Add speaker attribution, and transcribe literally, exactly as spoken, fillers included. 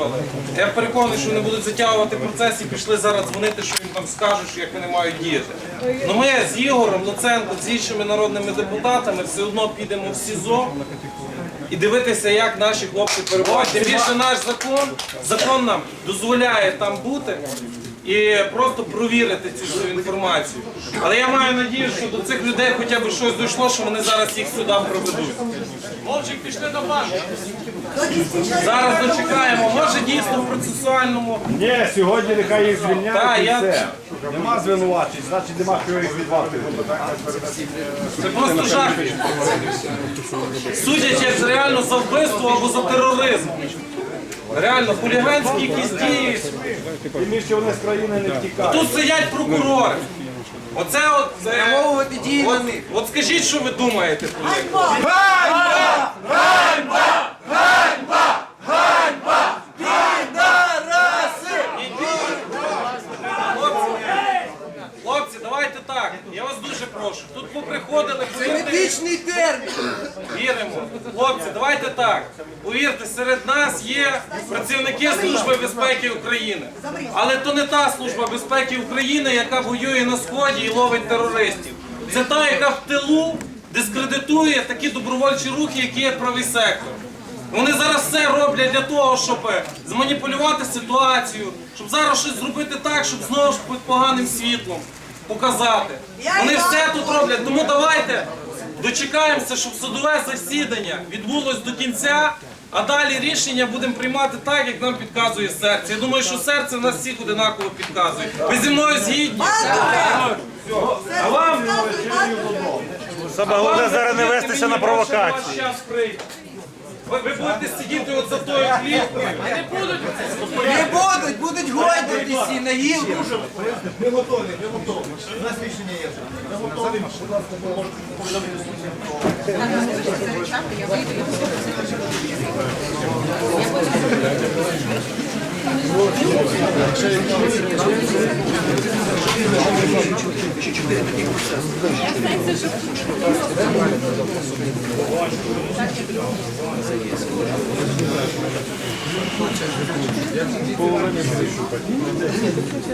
Speaker 1: затягували. Я переконаний, що вони будуть затягувати процес і пішли зараз дзвонити, що їм там скажуть, що як вони мають діяти. Ну ми з Ігорем Луценко, з іншими народними депутатами все одно підемо в СІЗО і дивитися, як наші хлопці перебувають. Тим більше наш закон, закон нам дозволяє там бути і просто провірити цю всю інформацію. Але я маю надію, що до цих людей хоча б щось дійшло, що вони зараз їх сюди проведуть. Вовчик, пішли до банку. Зараз дочекаємо, може дійсно в процесуальному.
Speaker 2: Ні, сьогодні нехай їх звільняють
Speaker 1: Так,
Speaker 2: і
Speaker 1: я-
Speaker 2: все. Нема звинувачень, значить нема що їх відвати.
Speaker 1: Це просто жах. Судять як реально за вбивство або за тероризм. Реально, хуліганські якісь дії.
Speaker 2: Тим більше вони з країни не втікають.
Speaker 1: Тут сидять прокурори. Оце от...
Speaker 3: Спрямовувати дії на них.
Speaker 1: От скажіть, що ви думаєте про них? Хлопці, давайте так, я вас дуже прошу. Тут поприходили,
Speaker 3: Це
Speaker 1: повірте,
Speaker 3: медичний термін.
Speaker 1: віримо. Хлопці, давайте так. Повірте, серед нас є працівники Служби безпеки України. Але то не та Служба безпеки України, яка воює на Сході і ловить терористів. Це та, яка в тилу дискредитує такі добровольчі рухи, які є правий сектор. Вони зараз все роблять для того, щоб зманіпулювати ситуацію, щоб зараз щось зробити так, щоб знову ж під поганим світлом показати. Вони все тут роблять, тому давайте дочекаємося, щоб судове засідання відбулось до кінця, а далі рішення будемо приймати так, як нам підказує серце. Я думаю, що серце в нас всіх одинаково підказує. Ви зі мною згідні? А вам?
Speaker 2: Саме головне зараз не вестися на провокації.
Speaker 1: Ваш час прийде. Ви, ви будете сидіти от за тою кліткою.
Speaker 3: Не будуть, будуть гойдатися і на гілку.
Speaker 4: Ми готові, ми готові. У нас рішення є. Ми готові. Будь ласка, ви можете повідомити